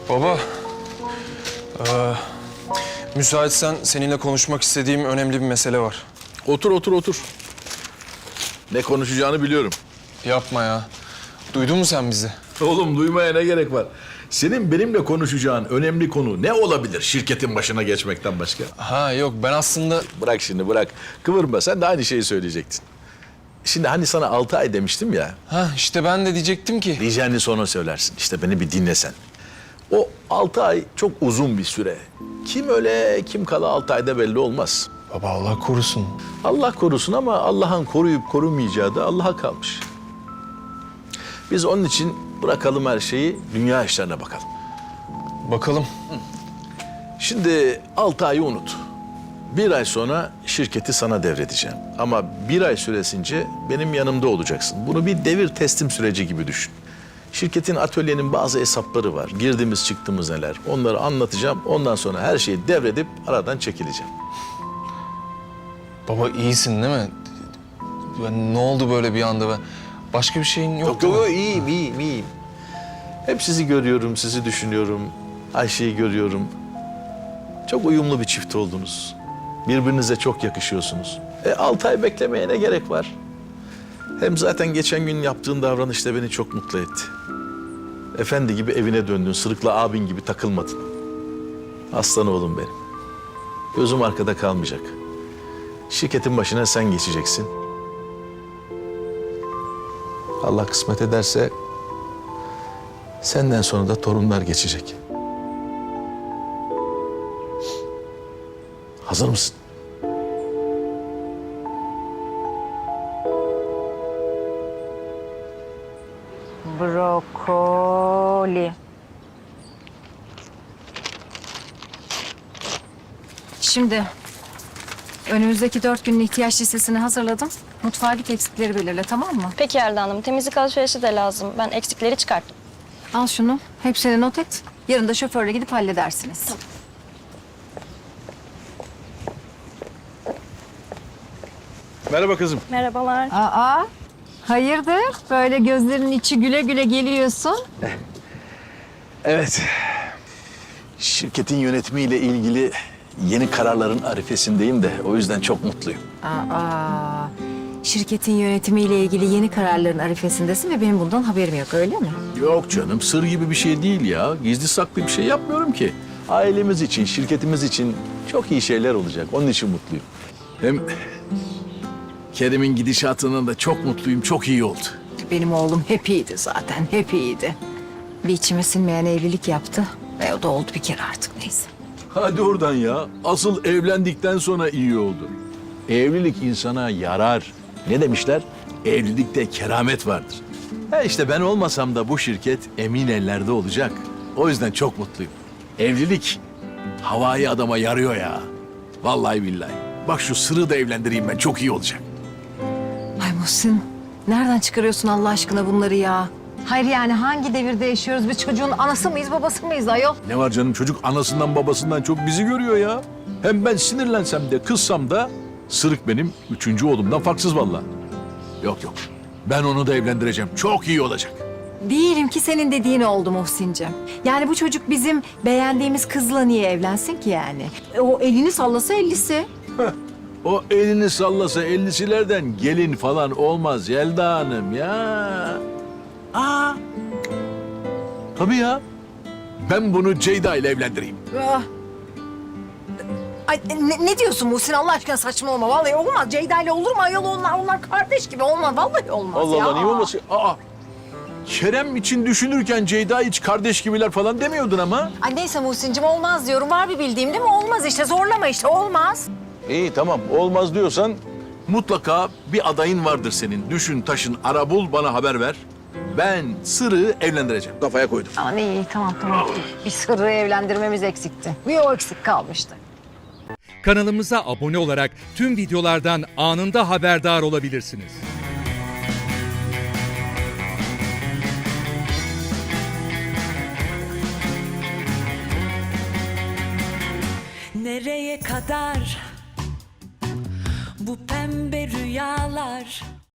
Baba, müsaitsen seninle konuşmak istediğim önemli bir mesele var. Otur, otur, otur. Ne konuşacağını biliyorum. Yapma ya. Duydun mu sen bizi? Oğlum duymaya ne gerek var? Senin benimle konuşacağın önemli konu ne olabilir şirketin başına geçmekten başka? Ha yok, ben aslında... Bırak şimdi bırak. Kıvırma, sen de aynı şeyi söyleyecektin. Şimdi hani sana 6 ay demiştim ya. Ha işte ben de diyecektim ki... Diyeceğini sonra söylersin. İşte beni bir dinlesen. O 6 ay çok uzun bir süre. Kim öyle kim kala 6 ayda belli olmaz. Baba Allah korusun. Allah korusun ama Allah'ın koruyup korumayacağı da Allah'a kalmış. Biz onun için bırakalım her şeyi, dünya işlerine bakalım. Bakalım. Şimdi 6 ayı unut. 1 ay sonra şirketi sana devredeceğim. Ama 1 ay süresince benim yanımda olacaksın. Bunu bir devir teslim süreci gibi düşün. Şirketin, atölyenin bazı hesapları var. Girdiğimiz çıktığımız neler. Onları anlatacağım. Ondan sonra her şeyi devredip aradan çekileceğim. Baba iyisin değil mi? Ne oldu böyle bir anda? Başka bir şeyin yok, Yok değil mi? yok, iyiyim, iyiyim, iyiyim. Hep sizi görüyorum, sizi düşünüyorum. Ayşe'yi görüyorum. Çok uyumlu bir çift oldunuz. Birbirinize çok yakışıyorsunuz. 6 ay beklemeye ne gerek var? Hem zaten geçen gün yaptığın davranış da beni çok mutlu etti. Efendi gibi evine döndün, sırıkla abin gibi takılmadın. Aslan oğlum benim. Gözüm arkada kalmayacak. Şirketin başına sen geçeceksin. Allah kısmet ederse senden sonra da torunlar geçecek. Hazır mısın? Brokoli. Şimdi önümüzdeki 4 günün ihtiyaç listesini hazırladım. Mutfağa git, eksikleri belirle, tamam mı? Peki Yelda Hanım, temizlik alışverişi de lazım. Ben eksikleri çıkarttım. Al şunu, hepsini not et. Yarın da şoförle gidip halledersiniz. Tamam. Merhaba kızım. Merhabalar. Aa, hayırdır? Böyle gözlerinin içi güle güle geliyorsun. Evet. Şirketin yönetimiyle ilgili yeni kararların arifesindeyim de o yüzden çok mutluyum. Aa, şirketin yönetimiyle ilgili yeni kararların arifesindesin ve benim bundan haberim yok, öyle mi? Yok canım, sır gibi bir şey değil ya. Gizli saklı bir şey yapmıyorum ki. Ailemiz için, şirketimiz için çok iyi şeyler olacak. Onun için mutluyum. Hem Kerem'in gidişatından da çok mutluyum. Çok iyi oldu. Benim oğlum hep iyiydi zaten, hep iyiydi. Bir içime sinmeyen evlilik yaptı ve o da oldu bir kere artık, neyse. Hadi oradan ya. Asıl evlendikten sonra iyi oldu. Evlilik insana yarar. Ne demişler? Evlilikte keramet vardır. İşte ben olmasam da bu şirket emin ellerde olacak. O yüzden çok mutluyum. Evlilik havai adama yarıyor ya. Vallahi billahi. Bak şu sırrı da evlendireyim ben. Çok iyi olacak. Ay Muhsin, nereden çıkarıyorsun Allah aşkına bunları ya? Hayır yani hangi devirde yaşıyoruz? Biz çocuğun anası mıyız, babası mıyız ayol? Ne var canım, çocuk anasından babasından çok bizi görüyor ya. Hem ben sinirlensem de kızsam da Sırık benim 3. oğlumdan farksız vallahi. Yok yok, ben onu da evlendireceğim. Çok iyi olacak. Diyelim ki senin dediğin oldu Muhsin'cim. Yani bu çocuk bizim beğendiğimiz kızla niye evlensin ki yani? O elini sallasa ellisi. O elini sallasa 50'silerden gelin falan olmaz Yelda Hanım ya. Aa. Tabii ya. Ben bunu Ceyda ile evlendireyim. Ah. Ay ne diyorsun Muhsin Allah aşkına, saçmalama. Vallahi olmaz. Ceyda ile olur mu ayol, onlar kardeş gibi olmaz. Vallahi olmaz Allah ya. Allah, niye olmasın? Aa. Kerem için düşünürken Ceyda hiç kardeş gibiler falan demiyordun ama. Ay neyse Muhsin'cim, olmaz diyorum. Var bir bildiğim değil mi? Olmaz işte, zorlama işte, olmaz. İyi tamam, olmaz diyorsan mutlaka bir adayın vardır senin. Düşün taşın ara bul, bana haber ver. Ben Sırrı evlendireceğim. Kafaya koydum. Aman iyi, tamam. Bir Sırrı evlendirmemiz eksikti. Bir o eksik kalmıştı. Kanalımıza abone olarak tüm videolardan anında haberdar olabilirsiniz. Nereye kadar bu pembe rüyalar?